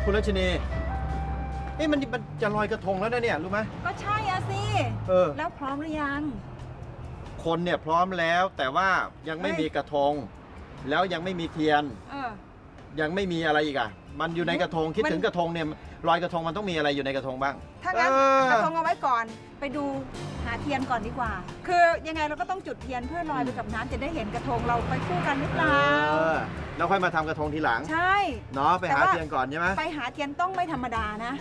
คุณรัชนีมันจะลอยกระทงแล้วนะเนี่ยรู้ไหมก็ใช่อะสิแล้วพร้อมหรือยังคนเนี่ยพร้อมแล้วแต่ว่ายังไม่มีกระทงแล้วยังไม่มีเทียนยังไม่มีอะไรอีกอ่ะมันอยู่ในกระทงคิดถึงกระทงเนี่ยลอยกระทงมันต้องมีอะไรอยู่ในกระทงบ้างถ้างั้นกระทงเอาไว้ก่อนไปดูหาเทียนก่อนดีกว่าคือยังไงเราก็ต้องจุดเทียนเพื่อลอยไปกับน้ำจะได้เห็นกระทงเราไปคู่กันหรือเปล่าแล้วค่อยมาทำกระทงทีหลังใช่เนาะไปหาเทียนก่อนใช่ไหมไปหาเทียนต้องไม่ธรรมดานะ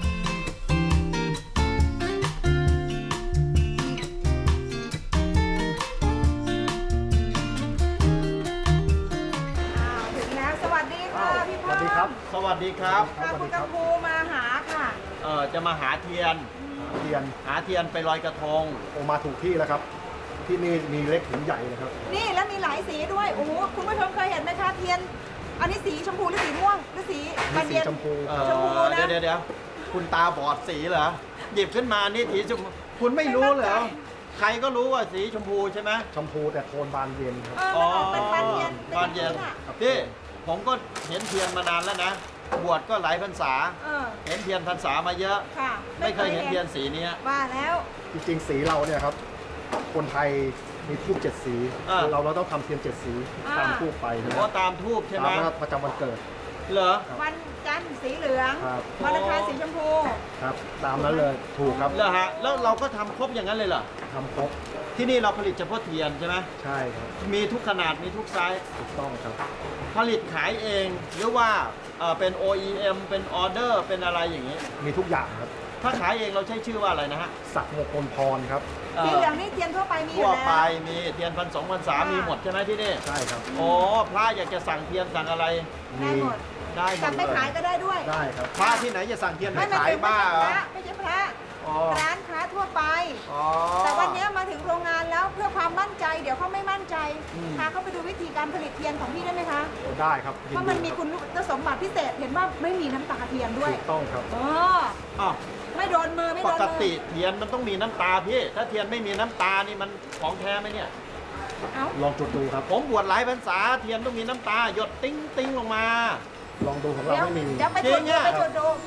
ถึงแล้วสวัสดีค่ะพี่พ่อสวัสดีครับสวัสดีครับคุณกัมพูมาหาค่ะจะมาหาเทียนหาเทียนไปลอยกระทงโอมาถูกที่แล้วครับที่นี่มีเล็กถึงใหญ่เลยครับนี่แล้วมีหลายสีด้วยโอ้โหคุณผู้ชมเคยเห็นไหมคะเทียนอันนี้สีชมพูหรือสีม่วงหรือสีบานเย็นชมพูนะเดี๋ยวคุณตาบอดสีเหรอหยิบขึ้นมานี่สีชมพูคุณไม่รู้เหรอใครก็รู้ว่าสีชมพูใช่ไหมชมพูแต่โทนบานเย็นครับเป็นบานเย็นพี่ผมก็เห็นเทียนมานานแล้วนะบวชก็หลายพรรษาเห็นเทียนพรรษามาเยอะไม่เคยเห็นเทียนสีนี้ว่าแล้วจริงๆสีเราเนี่ยครับคนไทยมีทูบ7 สีเราต้องทำเทียน7 สีตามทูบไปนะตามทูบใช่ไหมประจำวันเกิดเหรอวันจันทร์สีเหลืองวันอังคารสีชมพูครับตามนั้นเลยถูกครับเหรอฮะแล้วเราก็ทำครบอย่างนั้นเลยเหรอทำครบที่นี่เราผลิตเฉพาะเทียนใช่ไหมใช่ครับมีทุกขนาดมีทุกไซส์ถูกต้องครับผลิตขายเองหรือว่าเป็น OEM เป็นออเดอร์เป็นอะไรอย่างนี้มีทุกอย่างครับถ้าขายเองเราใช้ชื่อว่าอะไรนะฮะศักดิ์มงคลพรครับสีเหลืองนี่เทียนทั่วไปมีอยู่แล้วทั่วไปมีเทียน1,200 1,300มีหมดใช่ไหมที่นี่ใช่ครับโอ้พระอยากจะสั่งเทียนสั่งอะไรได้หมดได้หมดสั่งไปขายก็ได้ด้วยได้ครับพระที่ไหนจะสั่งเทียนไปขายบ้าไม่ใช่พระร้านค้าทั่วไปแต่วันนี้มาถึงโรงงานแล้วเพื่อความมั่นใจเดี๋ยวเขาไม่มั่นใจพาเขาไปดูวิธีการผลิตเทียนของพี่ได้ไหมคะได้ครับเพราะมันมีคุณสมบัติพิเศษเห็นว่าไม่มีน้ำตาเทียนด้วยถูกต้องครับไม่โดนมือไม่โดนมือปกติเทียนมันต้องมีน้ำตาพี่ถ้าเทียนไม่มีน้ำตานี่มันของแท้ไหมเนี่ยลองจุดดูครับผมบวชหลายพรรษาเทียนต้องมีน้ำตาหยดติ้งติ้งลงมาลองดูของเราไม่มีเดี๋ยวไปจุดดูไป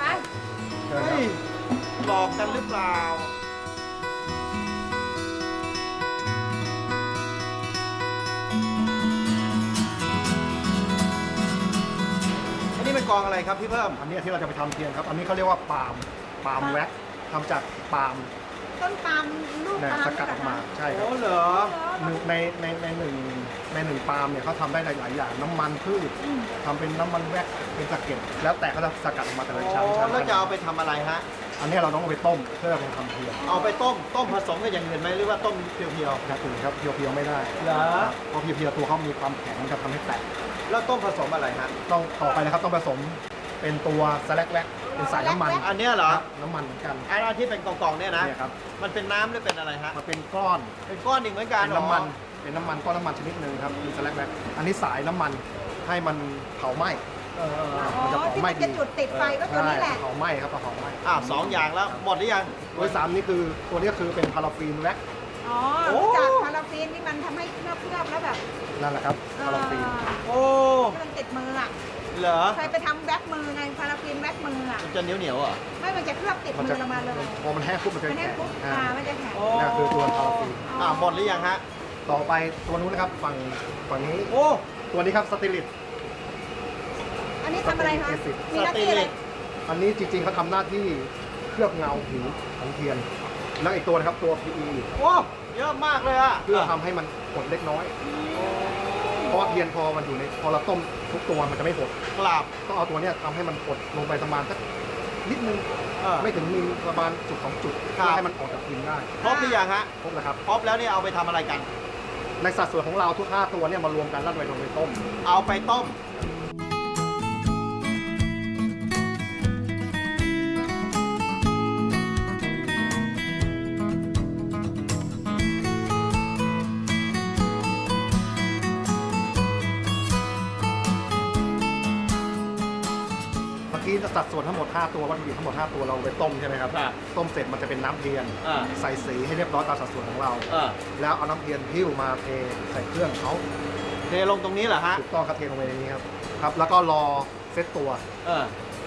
หลอกกันหรือเปล่าอันนี้เป็นกองอะไรครับพี่เพิ่มอันนี้ที่เราจะไปทำเทียนครับอันนี้เขาเรียกว่าปาล์มแว็กทำจากปาล์มต้นปาล์มลูกปาล์มสกัดออกมาใช่ครับเหรอในหนึ่งปาล์มเนี่ยเขาทำได้หลายอย่างน้ำมันพืชทำเป็นน้ำมันแว็กเป็นสะเก็ดแล้วแต่เขาจะสกัดออกมาแต่ละชั้นแล้วจะเอาไปทำอะไรฮะอันนี้เราต้องเอาไปต้มเพื่อไปทำเทียนเอาไปต้มผสมกับอย่างอื่นไหมหรือว่าต้มเพียวๆครับเพียวไม่ได้เพราะเพียวตัวเขามีความแข็งมันจะทำให้แตกแล้วต้มผสมอะไรฮะต้องต่อไปนะครับต้องผสมเป็นตัวสแลกแว็กเป็นสายน้ำมันอันนี้เหรอน้ำมันเหมือนกันอันที่เป็นกล่องๆเนี่ยนะครับมันเป็นน้ำหรือเป็นอะไรฮะมันเป็นก้อนอีกเหมือนกันเป็นน้ำมันก้อนน้ำมันชนิดหนึ่งครับเป็นสแลกแว็กอันนี้สายน้ำมันให้มันเผาไหม้มันจะเผาไหม้ดีจุดติดไฟก็ตัวนี้แหละเผาไหม้ครับเผาไหม้ 2 อย่างแล้วหมดหรือยังตัว3นี่คือตัวนี้คือเป็นพาราฟีนแว็กจากพาราฟีนนี่มันทำให้เคลือบแล้วแบบนั่นแหละครับพาราฟีนมันติดมืออ่ะเหรอใครไปทำแว็กมือไงพาราฟีนแว็กมืออ่ะมันจะเหนียวอ่ะไม่มันจะเคลือบติดมือลงมาเลยพอมันแห้งปุ๊บมันจะแข็งมันจะแข็งนี่คือตัวพาราฟีนหมดหรือยังฮะต่อไปตัวนู้นนะครับฝั่งนี้ตัวนี้ครับสติลิตอันนี้ทำอะไรคะมีหน้าที่อะไรอันนี้จริงๆเขาทำหน้าที่เคลือบเงาผิวของเทียนแล้วอีกตัวนะครับตัว PE เยอะมากเลยอะเพื่อทำให้มันหดเล็กน้อยเพราะเทียนพอมันอยู่ในพอเราต้มทุกตัวมันจะไม่หดต้องเอาตัวนี้ทำให้มันหดลงไปประมาณสักนิดนึงไม่ถึงมีประมาณจุด2 จุดเพื่อให้มันออกจากพิมพ์ได้ครบหรือยังฮะครบแล้วครับครบแล้วเนี่ยเอาไปทำอะไรกันในสัดส่วนของเราทุก5ตัวเนี่ยมารวมกันแล้วไปลงไปต้มเอาไปต้มที่สัดส่วนทั้งหมด5ตัววัตถุดิบทั้งหมด5ตัวเราไปต้มใช่ไหมครับต้มเสร็จมันจะเป็นน้ำเทียนใส่สีให้เรียบร้อยตามสัดส่วนของเราแล้วเอาน้ำเทียนหิ้วมาเทใส่เครื่องเขาเทลงตรงนี้เหรอฮะถูกต้องครับเทลงไปในนี้ครับแล้วก็รอเซตตัว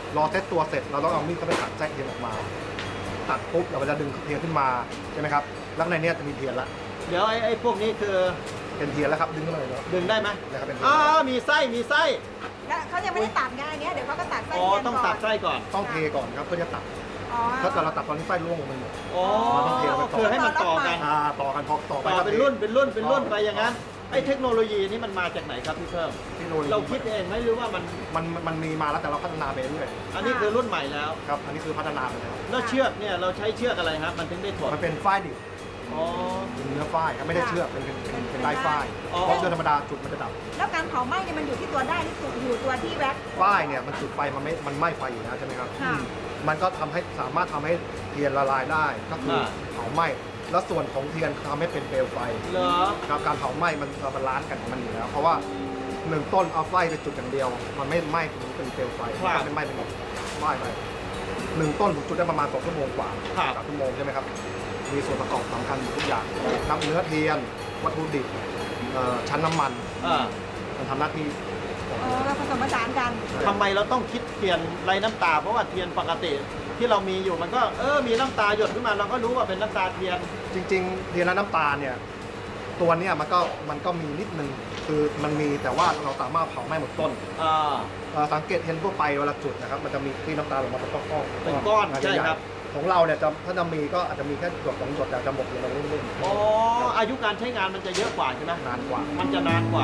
รอเซตตัวเสร็จเราต้องเอามีดเข้าไปตัดแทรกเทียนออกมาตัดปุ๊บเราจะดึงเทียนขึ้นมาใช่ไหมครับแล้วในเนี้ยจะมีเทียนละเดี๋ยวไอ้พวกนี้คือเป็นเทียนแล้วครับดึงขึ้นมาเลยเนาะดึงได้ไหมนะครับเป็นเทียนมีไส้มีไส้แล้วเขายังไม่ได้ตัดไงอันเนี้ยเดี๋ยวเขาก็ตัดไส้อ๋อเทียนต้องก่ตัอดนไส้ก่อนต้องเทก่อนครับเพื่อจะตัดอ๋อถ้าเกิดเราตัดตอนนี้ไส้ร่วงลงไปหมดอ๋อต้องเทไว้ก่อนคือให้มันต่อกันต่อกันพอต่อไปต่อก็เป็นทรุ่นเป็นรุ่นเป็นรุ่นไปอย่างนั้นไอ้เทคโนโลยีนี้มันมาจากไหนครับพี่เพิ่มเทคโนโลยีเราคิดเองไหมหรือว่ามันมันมีมาแล้วแต่เราพัฒนาไปเรื่อยอันนี้คือรุ่นใหม่แล้วครับอันนี้คือพัฒนาไปแล้วแล้วเชือกเนี่ยเราใช้เชือกอะไรครับมันถึงได้ถอดมันเป็นฝ้ายดิบอ๋อเป็นเนื้อฝ้ายครับไม่ได้เชือกเป็นลายฝ้ายอ๋อเพราะเชือกธรรมดาจุดมันจะดับแล้วการเผาไหม้เนี่ยมันอยู่ที่ตัวได้หรืออยู่ตัวที่แว็กซ์ฝ้ายเนี่ยมันจุดไฟมันไหม้ไฟอยู่แล้วใช่ไหมครับค่ะมันก็สามารถทำให้เทียนละลายได้ก็คือเผาไหม้แล้วส่วนของเทียนทำให้เป็นเปลวไฟเหรอครับการเผาไหม้มันบาลานซ์กันของมันอยู่แล้ว เพราะว่าหนึ่งต้นเอาไฟไปจุดอย่างเดียว มันไม่ไหม้มันเป็นเปลวไฟมันไม่ไหม้เป็นไหม้ไปหนึ่งต้นผมจุดได้ประมาณ2 ชั่วโมงกว่า3 ชั่วโมงใช่ไหมครับมีส่วนประกอบสำคัญอยู่ทุกอย่างน้ำเนื้อเทียนวัตถุดิบชั้นน้ำมันอ่ามันทำหน้าที่ผสมผสานกันทำไมเราต้องคิดเทียนไรน้ำตา เพราะว่าเทียนปกติที่เรามีอยู่มันก็มีน้ำตาหยดขึ้นมาเราก็รู้ว่าเป็นน้ำตาเทียนจริงๆเทียนและน้ำตาลเนี่ยตัวเนี้ยมันก็มีนิดนึงคือมันมีแต่ว่าเราสามารถเผาไหม้หมดต้น สังเกตเห็นทั่วไปเวลาจุดนะครับมันจะมีที่น้ำตาลลงมาเป็นก้อนๆเป็นก้อนาจใช่จะหญ่ครับของเราเนี่ยถ้าจะมีก็อาจจะมีแค่หยด2 หยดแต่จะหมดเลยเราเล่นอ๋ออายุการใช้งานมันจะเยอะกว่าใช่ไหมนานกว่ามันจะนานกว่า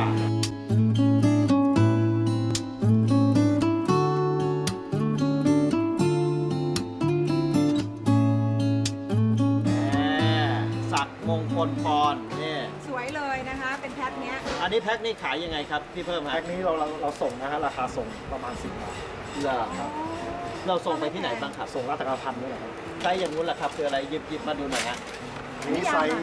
สักมงคลพรนี่สวยเลยนะคะ เป็นแพ็คเนี้ยอันนี้แพ็คนี่ขายยังไงครับพี่เพิ่มแพ็ฮะคนี้เราส่งนะฮะราคาส่งประมาณ10 บาทเหรอครับเราส่งไปที่ไหนบ้างครับส่งราชการพันด้วยนะครับไซส์อย่างนู้นแหละครับคืออะไรหยิบมาดูหน่อยฮะนี่ไซส์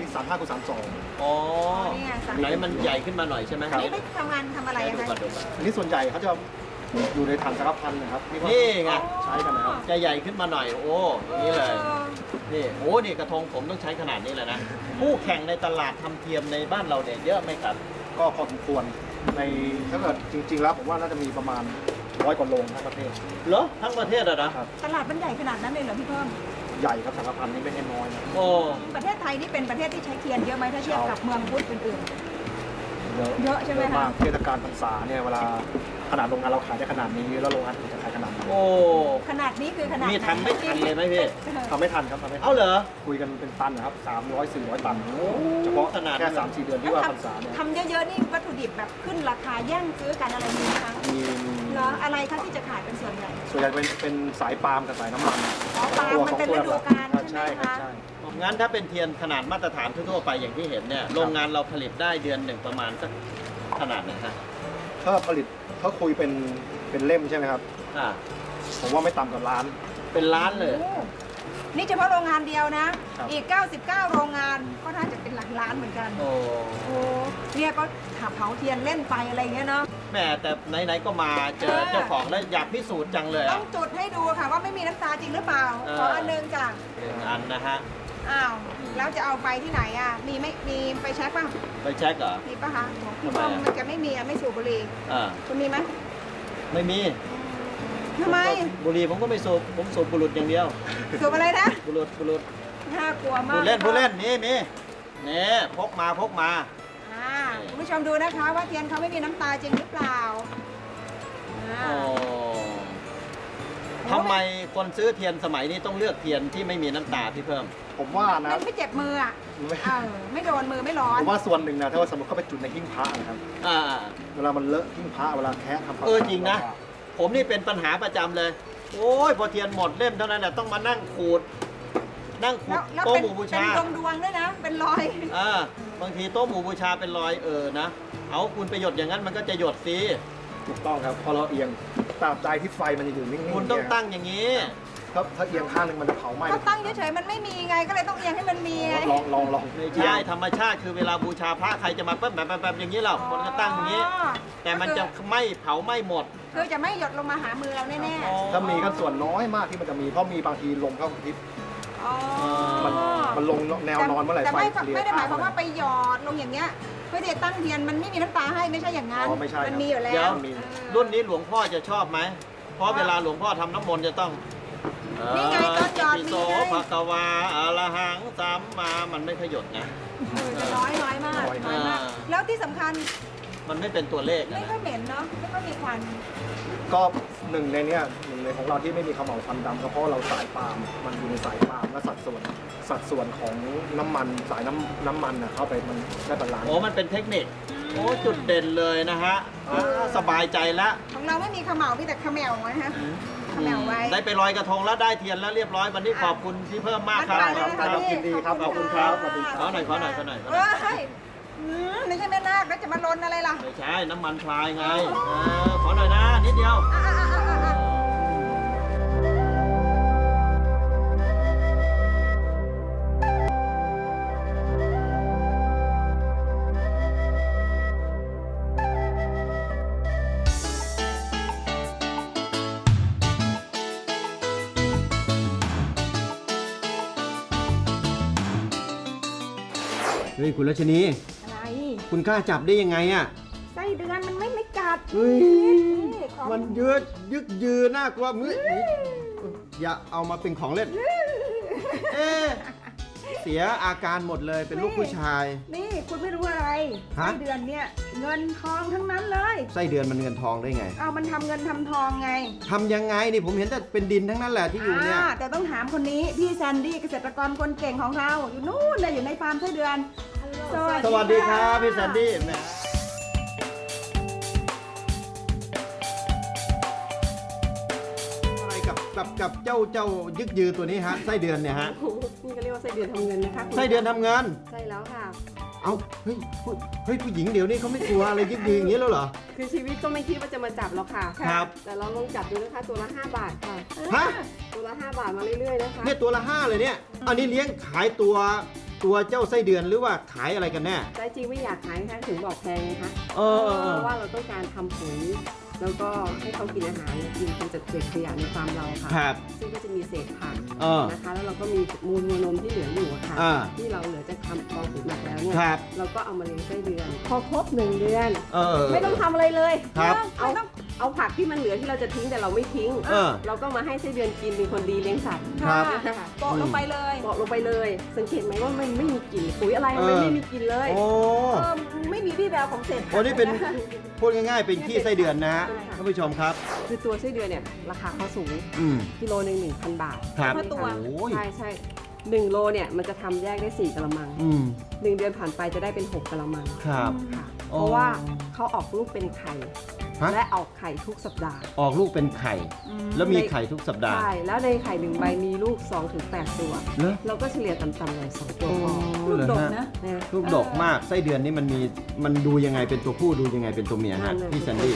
35x32 อ๋อนี่ไงสั่งไหนมันใหญ่ขึ้นมาหน่อยใช่ไหมอันนี้ไม่ทำงานทำอะไรไหนอะดูคะก่อนดูก่อนอันนี้ส่วนใหญ่เขาจะอยู่ในถังสารพันนะครับที่ว่านี่ไงใช้กันนะครับจะใหญ่ขึ้นมาหน่อยโอ้นี่เลยนี่โอ้นี่กระทงผมต้องใช้ขนาดนี้เลยนะคู่แข่งในตลาดทำเทียมในบ้านเราเนี่ยเยอะไหมครับก็พอสมควรในถ้าเกิดจริงๆแล้วผมว่าน่าจะมีประมาณ100 กว่าโรงทั้งประเทศเหรอทั้งประเทศอะนะตลาดมันใหญ่ขนาดนั้นเลยเหรอพี่เพิ่มใหญ่ครับสารพันนี่ไม่ใช่น้อยนะโอ้ประเทศไทยนี่เป็นประเทศที่ใช้เทียนเยอะไหมถ้าเทียบกับเมืองพุทธอื่น เยอะใช่ไหมคะมากเทศกาลพรรษาเนี่ยเวลาขนาดโรงงานเราขายได้ขนาดนี้แล้วโรงงานอื่นจะขายขนาดไหนโอ้ๆขนาดนี้คือขนาดนี่ทำไม่ทันเลยไหมพี่ทำไม่ทันครับทำไม่ทันเอาเหรอคุยกันเป็นตันนะครับ300-400 ตันโอ้เฉพาะขนาดแค่ 3-4 เดือนที่ว่าพรรษาเนี่ยทำเยอะๆนี่วัตถุดิบแบบขึ้นราคาแย่งซื้อกันอะไรมีไหมคะมีเหรออะไรคะที่จะขายเป็นส่วนใหญ่ส่วนใหญ่เป็นสายปาล์มกับสายน้ำมันอ๋อปาล์มมันเป็นฤดูกาลใช่ไหมครัคะบใช่งั้นถ้าเป็นเทียนขนาดมาตรฐานทั่วๆไปอย่างที่เห็นเนี่ยโรงงานเราผลิตได้เดือนหนึ่งประมาณสักขนาดไหนฮะถ้าผลิตถ้าคุยเป็นเล่มใช่ไหมครับอ่าผมว่าไม่ต่ำกว่าล้านเป็นล้านเลยโอ้นี่เฉพาะโรงงานเดียวนะครับอีก 99 โรงงานก็น่าจะเป็นหลักล้านเหมือนกันโอ้โอ้เนี่ยก็ขับเผาเทียนเล่นไปอะไรอย่างเงี้ยเนาะแม่แต่ไหนๆก็มาเจอเจ้าของแล้วอยากพิสูจน์จังเลยต้อ่ะองจุดให้ดูค่ะว่าไม่มีน้ำตาจริงหรือเปล่า ขออันหนึงจ้ะหนึ่งอันนะฮะอ้าว แล้วจะเอาไปที่ไหนอ่ะ มีไม่มีไปเช็คป่ะไปเช็คเหรอมีป่ะคะทำไมอะมันจะไม่มีอ่ะไม่สูบบุหรี่อ่าคุณมีไหมไม่มีทำไมบุหรี่ผมก็ไม่สูบผมสูบบุหรี่อย่างเดียวสูบอะไรนะบุหรี่น่ากลัวพูมากดเล่นมีนี่พกมาอ่าคุณผู้ชมดูนะคะว่าเทียนเขาไม่มีน้ำตาจริงหรือเปล่าอ่าโอ้ทำไมคนซื้อเทียนสมัยนี้ต้องเลือกเทียนที่ไม่มีน้ำตาพี่เพิ่มผมว่านะมันไม่เจ็บมืออ่ะไม่โดนมือไม่ร้อนผมว่าส่วนหนึ่งนะถ้าว่าสมมติเขาไปจุดในหิ้งพระนะครับอ่าเวลามันเลอะหิ้งพระเวลาแคะทำความจริงนะ ผมนี่เป็นปัญหาประจำเลย โอ้ยพอเทียนหมดเล่มเท่านั้นแหละต้องมานั่งขูดแล้วโต๊ะเป็นหมู่บูเป็นชาดวงๆด้วยนะ เป็นรอยบางทีโต๊ะหมู่บูชาเป็นรอยนะ เอาคุณไปหยดอย่างนั้นมันก็จะหยดสิถูกต้องครับพอเราเอียงตราบใดที่ไฟมันจะอยู่นิ่งๆคุณต้องตั้งอย่างนี้ถ้าเอียงข้างหนึงมันจะเผาไหม้ก็ตั้งเฉยๆมันไม่มีไงก็เลยต้องเอียงให้มันมีไงลองไม่ใช่ธรรมชาติคือเวลาบูชาพระใครจะมาแบบอย่างนี้เราคนก็ตั้งอย่างนี้ แต่มันจะไม่เผาไม่หมดคือจะไม่หยดลงมาหามือเราแน่ถ้ามีก็ส่วนน้อยมากที่มันจะมีเพราะมีบางทีลมเข้ากระพริบๆอ๋อมันลงแนวนอนเมื่อไหร่แต่ไฟไม่ได้หมายความว่าไปหยอดลงอย่างเงี้ยเพื่อจะตั้งเทียนมันไม่มีน้ำตาให้ไม่ใช่อย่างนั้นไม่ใช่มันมีอยู่แล้เดี๋ยว วมีรุ่นนี้หลวงพ่อจะชอบไหมเพราะเวลาหลวงพ่อทำน้ำมนต์จะต้องนี่ไงตอนหยอดอิติโสนี่ไงภะคะวาอะระหังสัมมามันไม่ขยดนะจะน้อยมากน้อยมาก แล้วที่สำคัญมันไม่เป็นตัวเลขไม่นะค่อยเหม็นเนาะไม่ค่อยมีควันก็หนึ่งในของเราที่ไม่มีเขม่าวควันดำก็เพราะเราสายปาล์มมันอยู่ในสายปาล์มและสัดส่วนของน้ำมันสายน้ำมันน่ะเข้าไปมันได้บาลานซ์โอ้มันเป็นเทคนิคโอ้จุดเด่นเลยนะฮะสบายใจแล้วของเราไม่มีเขม่ามีแต่เขมวนะฮะเขมวไว้ได้ไปลอยกระทงแล้วได้เทียนแล้วเรียบร้อยวันนี้ขอบคุณที่เพิ่มมากครับไปเลยนะคะยินดีครับขอบคุณครับสวัสดีครับขอหน่อยขอหน่อยขอหน่อยเอ้ยไม่ใช่แม่นาคแล้วจะมาลนอะไรล่ะไม่ใช่น้ำมันพลายไงขอหน่อยนะนิดเดียว เฮ้ยคุณรัชนีอะไรคุณกล้าจับได้ยังไงอ่ะไส้เดือนมันไม่กัดเฮ้ยนี่ของมันยึกยือน่ากลัวมืออย่าเอามาเป็นของเล่น เอ๊ะเสียอาการหมดเลยเป็นลูกผู้ชายนี่คุณไม่รู้อะไรฮะไส้เดือนเนี่ยเงินทองทั้งนั้นเลยไส้เดือนมันเงินทองได้ไงเอามันทำเงินทำทองไงทำยังไงนี่ผมเห็นแต่เป็นดินทั้งนั้นแหละที่อยู่เนี่ยแต่ต้องถามคนนี้พี่แซนดี้เกษตรกรคนเก่งของเราอยู่นู่นเลยอยู่ในฟาร์มไส้เดือนสวัสดีครับพี่แซนดี้แหมอะไรกับเจ้ายึกยือตัวนี้ฮะไส้เดือนเนี่ยฮะนี่ก็เรียกว่าไส้เดือนทำเงินนะคะคุณไส้เดือนทำงานใช่แล้วค่ะเอาเฮ้ยผู้หญิงเดี๋ยวนี้เขาไม่กลัวอะไรยึกยืออย่างนี้แล้วเหรอคือชีวิตก็ไม่คิดว่าจะมาจับหรอกค่ะครับแต่เราลองจับดูนะคะตัวละ 5 บาทค่ะฮะตัวละ 5 บาทมาเรื่อยๆนะคะเนี่ยตัวละ5เลยเนี่ย อันนี้เลี้ยงขายตัวเจ้าไส้เดือนหรือว่าขายอะไรกันแน่แต่จริงไม่อยากขายนะคะถึงบอกแพงไงคะเออเพราะว่าเราต้องการทำปุ๋ยแล้วก็ให้เขากินอาหารกินเป็นจัดเศษขยะในฟาร์มเราค่ะครับซึ่งก็จะมีเศษผักเออนะคะ แล้วเราก็มีมูลวัวนมที่เหลืออยู่อะค่ะอ่าที่เราเหลือจากทำกองปุ๋ยหมักแล้วเนี่ยครับเราก็เอามาเลี้ยงไส้เดือน พอครบ1 เดือนเออไม่ต้องทำอะไรเลยครับเอาผักที่มันเหลือที่เราจะทิ้งแต่เราไม่ทิ้งเออเราก็มาให้ไส้เดือนกินเป็นคนดีเลี้ยงสัตว์ครับค่ะโปะลงไปเลยบอกลงไปเลย สังเกตไหมว่ามันไม่มีกลิ่นปุ๋ยอะไรมันไม่มีกลิ่นเลยโอ้ไม่มีวี่แววของเศษผักโอ้นี่เป็นพูดง่ายๆ เป็นขี้ไส้เดือนนะฮะท่านผู้ชมครับคือตัวไส้เดือนเนี่ยราคาเขาสูงอืมกิโลหนึ่ง 1,000 บาทครับเท่าตัวโอ้ยใช่1 โลเนี่ยมันจะทำแยกได้4 กะละมังอืม 1 เดือนผ่านไปจะได้เป็น6 กะละมังครับค่ะอ๋อเพราะว่าเขาออกลูกเป็นไข่ฮะและออกไข่ทุกสัปดาห์ออกลูกเป็นไข่ แล้วมีไข่ทุกสัปดาห์ใช่ แล้วในไข่1 ใบมีลูก 2-8 ตัวเหรอเราก็เฉลี่ยต่ำๆเลย2 ตัวพอลูกเหรอดกฮะนะนะลูกดกมากไส้เดือนนี่มันดูยังไงเป็นตัวผู้ดูยังไงเป็นตัวเมียฮะนั่นน่ะพี่แซนดี้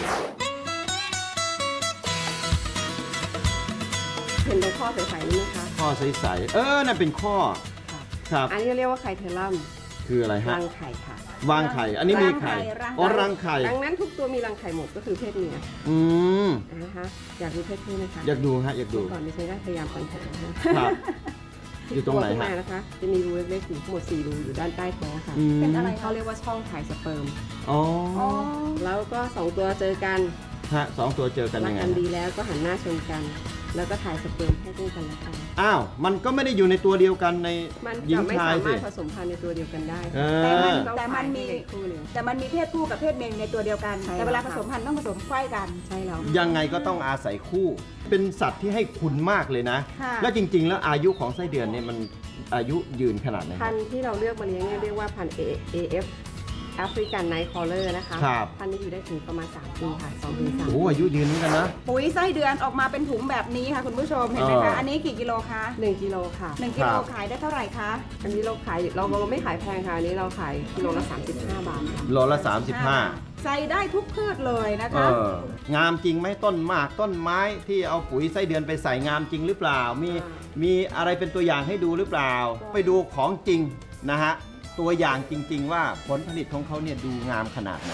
เห็นในข้อใสๆนี่ไหมคะข้อใสๆนั่นเป็นข้อค่ะครับอันนี้เรียกว่าไข่เทอรัมคืออะไรฮะรังไข่ค่ะวางไข่ อันนี้มีไข่รังไข่อ๋อรังไข่ดังนั้นทุกตัวมีรังไข่หมดก็คือเพศเมียอืมนะคะอยากดูเพศผู้ไหมคะอยากดูฮะอยากดูก่อนดิฉันก็พยายามปัญหานะคะครับ อยู่ตรงไหนตัวขึ้ฮะมานะคะ จะมีรูเล็กๆอยู่ทั้งหมด4 รูอยู่ด้านใต้ท้องค่ะอืมเป็นอะไรเขาเรียกว่าช่องถ่ายสเปิร์มอ๋ออ๋อแล้วก็ 2 ตัวเจอกันฮะสองตัวเจอกันรัยังไงกันฮะดีแล้วก็หันหน้าชนกัน แล้วก็ถ่ายสเปิร์มให้ซึ่งกันและกันอ้าว มันก็ไม่ได้อยู่ในตัวเดียวกันในมันหญิจะงไม่ชายสาสิมารถผสมพันธุ์ในตัวเดียวกันได้เอต้องแต่มันมีขายให้เด็กคู่หนึ่งแต่มันมีเพศผู้กับเพศเมียในตัวเดียวกันใช่แต่เวลาผค่ะสมพันธุ์ต้องผสมไขว้กันใช่แล้วยังไงก็ต้องอาศัยคู่ เป็นสัตว์ที่ให้คุณมากเลยนะค่ะแล้วจริง ๆ แล้วอายุของไส้เดือนเนี่ยมันอายุยืนขนาดไหนคพัรับนธุ์ที่เราเลือกมาเลี้ยงเนี่ยเรียกว่าพันธุ์ AF แอฟริกันไนท์คอลเลอร์นะคะครับพันธุ์นี้อยู่ได้ถึงประมาณ3 ปีค่ะ2 ถึง 3 โอ้อายุยืนเหมือนกันนะปุ๋ยไส้เดือนออกมาเป็นถุงแบบนี้ค่ะคุณผู้ชมเห็นไหมคะ อันนี้กี่กิโลคะ 1 กิโลค่ะ 1 กิโลขายได้เท่าไหร่คะอันนี้เราขายเราไม่ขายแพงค่ะ อันนี้เราขายกิโลละ35 บาทค่ะโลละ 35 ใส่ได้ทุกพืชเลยนะเอคะองามจริงไหมต้นหมากต้นไม้ที่เอาปุ๋ยไส้เดือนไปใส่งามจริงหรือเปล่า มีอะไรเป็นตัวอย่างให้ดูหรือเปล่า ไปดูของจริงนะฮะ ตัวอย่างจริง ๆ ว่าผลผลิตของเขาเนี่ยดูงามขนาดไหน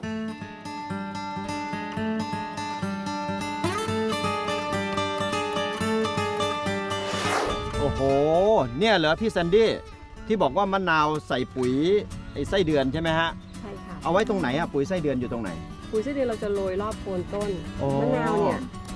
โอ้โห เนี่ยเหรอพี่แซนดี้ที่บอกว่ามะนาวใส่ปุ๋ยไอ้ไส้เดือนใช่ไหมฮะใช่ค่ะเอาไว้ตรงไหนอะปุ๋ยไส้เดือนอยู่ตรงไหนปุ๋ยไส้เดือนเราจะโรยรอบโคนต้นโอ้มะนาวเนี่ย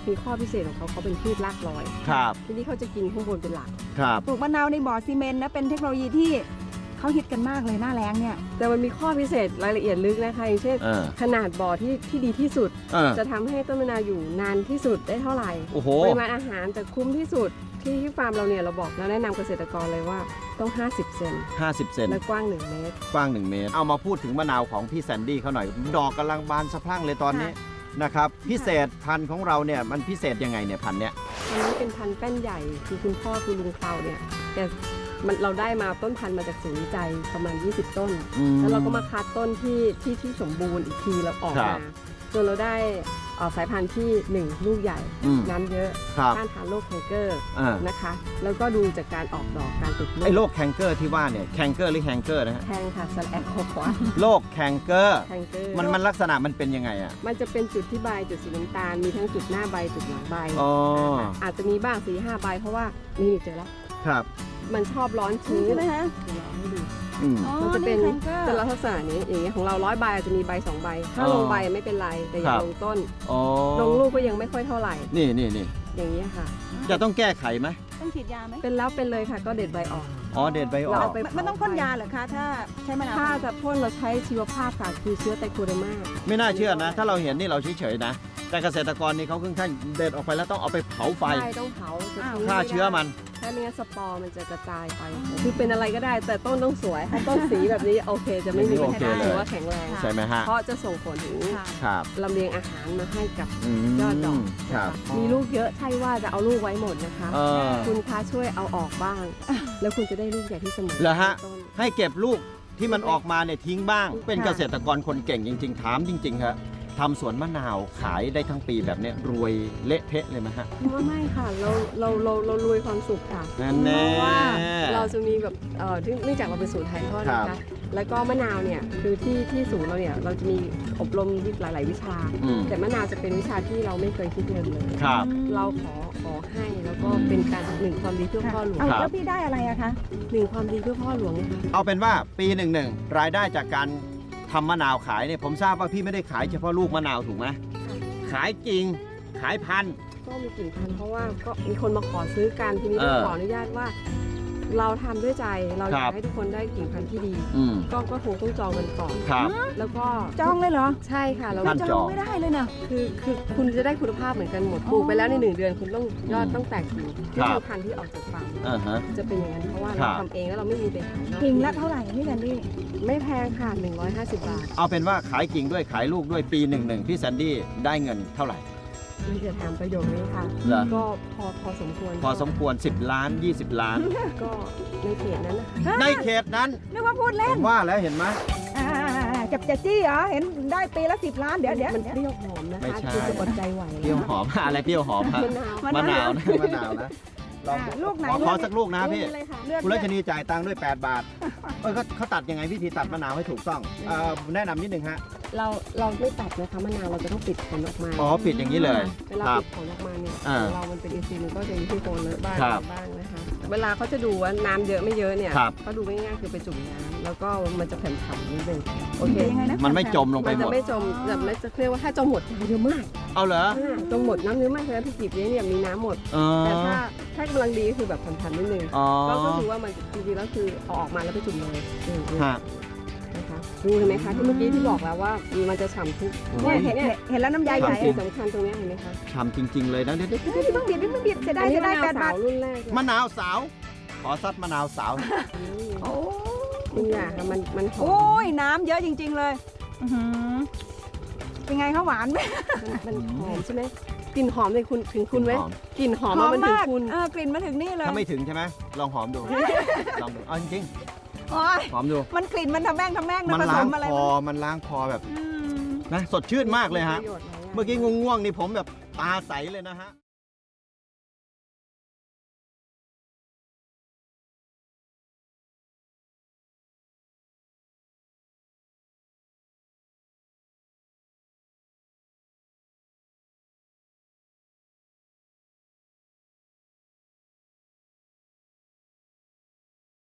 มีข้อพิเศษของเขาเป็นพืชรากลอยครับทีนี้เขาจะกินข้างบนเป็นหลักครับปลูกมะนาวในบ่อซีเมนต์นะเป็นเทคโนโลยีที่เขาฮิตกันมากเลยหน้าแล้งเนี่ยแต่มันมีข้อพิเศษรายละเอียดลึกนะคะอย่างเช่น ขนาดบ่อที่ดีที่สุด จะทำให้ต้นมะนาวอยู่นานที่สุดได้เท่าไหร่โอ้โหปริมาณอาหารจะคุ้มที่สุดที่ฟาร์มเราเนี่ยเราบอกแล้วแนะนำเกษตรกรเลยว่าต้อง 50 เซน 50 เซนและกว้าง 1 เมตรกว้าง 1 เมตร เอามาพูดถึงมะนาวของพี่แซนดี้เขาหน่อย ดอกกำลังบานสะพรั่งเลยตอนนี้นะครับ พิเศษพันธุ์ของเราเนี่ยมันพิเศษยังไงเนี่ยพันธุ์เนี้ยอันนี้เป็นพันธุ์แป้นใหญ่คือคุณพ่อคือลุงเคลาเนี่ยแต่เราได้มาต้นพันธุ์มาจากศูนย์วิจัยประมาณ 20 ต้น แล้วเราก็มาคัดต้นที่สมบูรณ์อีกทีแล้วออกมาจนเราได้สายพันธุ์ที่ 1 ลูกใหญ่น้ำเยอะต้านทานโรคแคนเกอร์นะคะแล้วก็ดูจากการออกดอกการติดลูกไอ้โรคแคนเกอร์ที่ว่าเนี่ยแคนเกอร์หรือแฮงเกอร์นะฮะแทงค่ะสแลกคอควาโรคแคนเกอร์แทงเกอร์มันลักษณะมันเป็นยังไงอ่ะมันจะเป็นจุดที่ใบจุดสีน้ำตาลมีทั้งจุดหน้าใบจุดหลังใบอ๋ออาจจะมีบ้าง4-5 ใบเพราะว่านี่เจอแล้วครับมันชอบร้อนชื้นใช่ไหมฮะเดี๋ยวเราให้ดูอืมมันจะเป็นแคนเกอร์แต่ละลักษณะนี้อย่างเงี้ยของเรา100 ใบอาจจะมีใบ2 ใบ ถ้าอ๋อลงใบไม่เป็นไรแต่อย่าครับลงต้นอ๋อลงลูกก็ยังไม่ค่อยเท่าไหร่นี่อย่างเงี้ยค่ะจะต้องแก้ไขไหมต้องฉีดยาไหมเป็นแล้วเป็นเลยค่ะก็เด็ดใบออกอ๋อ เด็ดใบอเราอกเอาไปมันต้องพ่นยาเหรอคะถ้าใช้มะนาวถ้าจะพ่นเราใช้ชีวภาพค่ะคือเชื้อไตรโคเดอร์มาไม่น่าเชื่อนะ ถ้าเราเห็นนี่เราเฉยๆนะ แต่เกษตรกรนี่เขาค่อนข้างเด็ดออกไปแล้วต้องเอาไปเผาไฟใช่ต้องเผาจะทิ้งฆ่าไม่ได้เชื้อมันถ้าไม่งั้นสปอร์มันจะกระจายไป คือเป็นอะไรก็ได้ แต่ต้นต้องสวย ถ้าต้นสีแบบนี้โอเค จะไม่มีปัญโอเคหาเลยถือว่าแข็งแรงใช่ไหมฮะเพราะจะส่งผลถึงค่ะครับลำเลียงอาหารมาให้กับอืมยอดดอกครับนะคะมีลูกเยอะใช่ว่าจะเอาลูกไว้หมดนะคะเออคุณคะช่วยเอาออกบ้าง แล้วคุณจะได้ลูกใหญ่ที่เสมอเหรอฮะต้นให้เก็บลูกที่มันออกมาเนี่ยทิ้งบ้าง เป็นเกษตรกรคนเก่งจริง ๆ ถามจริงๆครับทำสวนมะนาวขายได้ทั้งปีแบบเนี้ยรวยเละเทะเลยไหมฮะว่าไม่ค่ะเรารวยความสุขค่ะนั่นแน่เพราะว่าเราจะมีแบบเนื่องจากเราเป็นศูนย์ถ่ายทอดนะครัคะบแล้วก็มะนาวเนี่ยคือที่ศูนย์เราเนี่ยเราจะมีอบรมหลาย ๆ วิชาอืมแต่มะนาวจะเป็นวิชาที่เราไม่เคยคิดเงินเลยครับเราขอให้แล้วก็เป็นการหนึ่งความดีเพื่อพ่อหลวงเอาครับแล้วพี่ได้อะไรอะคะหนึ่งความดีเพื่อพ่อหลวงนะคะเอาเป็นว่าปีหนึ่งรายได้จากการทำมะนาวขายเนี่ยผมทราบว่าพี่ไม่ได้ขายเฉพาะลูกมะนาวถูกไหมขายจริงขายพันธุ์ก็มีกลิ่นพันธุ์เพราะว่าก็มีคนมาขอซื้อกันทีนี้ต้องขออนุญาตว่า เราทำด้วยใจเราอยากให้ทุกคนได้กิ่งพันธุ์ที่ดีอืมก็คงต้องจองกันก่อนครับแล้วก็จองเลยเหรอใช่ค่ะแล้วท่านจจออง งไม่ได้เลยนะคือคุณจะได้คุณภาพเหมือนกันหมดปลูกไปแล้วใน1 เดือนคุณต้องยอดต้องแตกกิ่งที่ครับเป็นพันธุ์ที่ออกจากฟาร์มอ่าฮะจะเป็นอย่างนั้นเพราะว่าครัเราบทำเองแล้วเราไม่มีไปขายนอกกิ่งละเท่าไหร่พี่แซนดี้ไม่แพงค่ะ150 บาทเอาเป็นว่าขายกิ่งด้วยขายลูกด้วยปีหนึ่งพี่แซนดี้ได้เงินเท่าไหร่มันจะถามประโยคนี้ค่ะเหรอก็พอสมควรพอสมควร10 ล้าน 20 ล้านก็ในเขตนั้นนะคะในเขตนั้นนึกว่าพูดผเล่นมว่าแล้วเห็นไหมจับจะจี้เหรอเห็นได้ปีละ10 ล้านเดี๋ยวมันเปรี้ยวหอมนะไม่คะใช่คุณจะอดใจไหวเปรี้ยวหอม อะไรเปรี้ยวหอมฮะมะนาวมะนาวนะลองลูกไหนขอสักลูกนะพี่เลยค่ะเลือดคุณรัชนีจ่ายตังค์ด้วย 8 บาทเขาตัดยังไงวิธีตัดมะนาวให้ถูกต้องแนะนำนิดนึงฮะเราไม่ตัดนะคะมะนาวเราจะต้องปิดผลออกมาอ๋อปิดอย่างนี้เลยเวลาครับปิดผลออกมาเนี่ยอ่าของเรามันเป็นอินทรีย์มันก็จะมีที่โคนเลอะบ้างครับบ้างนะคะเวลาเขาจะดูว่าน้ำเยอะไม่เยอะเนี่ยครับเขาดูง่ายๆคือไปจุ่มน้ำแล้วก็มันจะแผ่นๆนิดนึงโอเคยังไงนะมันไม่จมลงไปมันหมจะดไม่จมแบบไม่จะเรียกว่าถ้าจมหมดน้ำเยอะมากเอาเหรอจมหมดน้ำเยอะมากเลยพี่กีบเลี้ยงเนี่ยมีน้ำหมดอ๋อแต่ถ้ากำลังดีก็คือแบบผ่อนๆนิดนึงอ๋อก็คือว่ามันจริงๆแล้วคือเอาออกมาแล้วไปจุ่มเลยฮะนะคะดูเห็นไหมคะที่เมื่อกี้ที่บอกแล้วว่ามันจะฉ่ำทุกเนี่ยเห็นแล้วน้ำยาใหญ่สิ่งสำคัญตรงนี้เห็นไหมคะทำจริง ๆ เลยนะเดี๋ยวเฮ้ยพี่เพิ่งบีบจะได้อันนี้จะได้มะนาว 8 บาสาทวรุ่นแรกเลยมะนาวสาว ขอซัดมะนาวสาวโอ้คุณอยากค่ะมันหอโอ้มยน้ำเยอะจริง ๆ เลยอื้อหือเป็นไงคะหวานไหมมันหอมใช่ไหมกลิ่นหอมเลยคุณถึงคุณไหมหอมกลิ่นหอมว่ามันถึงมากคุณกลิ่นมาถึงนี่เลยถ้าไม่ถึงใช่ไหมลองหอมดู ลองดูเอาจริงโอ้ยๆหอมดูมันกลิ่นมันทำแม่งนะมันผสล้างมอะไรคอมันล้างคอแบบอืมนะสดชื่นมากเลยฮะประโยชน์หลายอย่างเมื่อกี้ง่วงๆนี่ผมแบบตาใสเลยนะฮะ